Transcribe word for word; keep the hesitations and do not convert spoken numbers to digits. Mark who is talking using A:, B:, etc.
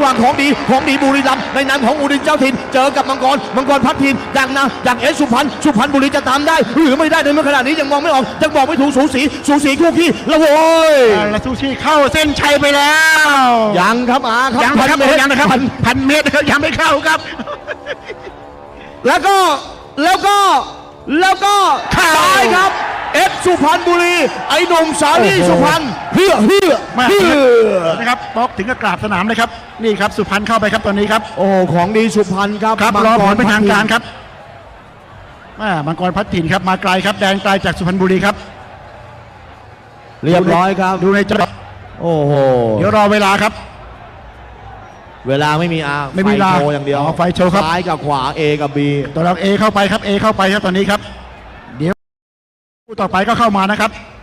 A: ว่างของดีของดีบุรีรัมย์ในนามของอุดินเจ้าถิ่นเจอกับมังกรมังกรพัดถิ่นจากนาจากเอสสุพรรณสุพรรณบุรีจะตามได้หรือไม่ได้ในเมื่อขณะนี้ยังมองไม่ออกยังบอกไม่ถูกสูสีสูสีคู่ขี้แล้วโว้ย
B: แล้วซูชิเข้าเส้นชัยไปแล้ว
A: ยังครับอาครับ
B: ยังครับยังนะครับพันเมตรนะครับยังไม่เข้าครับ
A: แล้วก็แล้วก็แล้วก็ซ้ายครับเอฟสุพรรณบุรีไอ้หนุ่มสาลีสุพรรณเฮือเฮือเฮือ
B: นะครับป๊อกถึงกับกราบสนามเลยครับนี่ครับสุพรรณเข้าไปครับตอนนี้ครับ
A: โอ้ของดีสุพรรณครับ
B: ครับรอผลเป็นทางการครับมังกรพัดถิ่นครับมาไกลครับแดนไกลจากสุพรรณบุรีครับ
A: เรียบร้อยครับ
B: ดูในจอ
A: โอ้โห
B: เดี๋ยวรอเวลาครับ
A: เวลาไม่มีอา
B: ไม่มี
A: ไฟโชว์อย่างเดียว
B: ไฟโชว์ครับ
A: ซ้ายกับขวา A กับ B
B: ตัวเรา A เข้าไปครับ A เข้าไปครับตอนนี้ครับเดี๋ยวคู่ต่อไปก็เข้ามานะครับ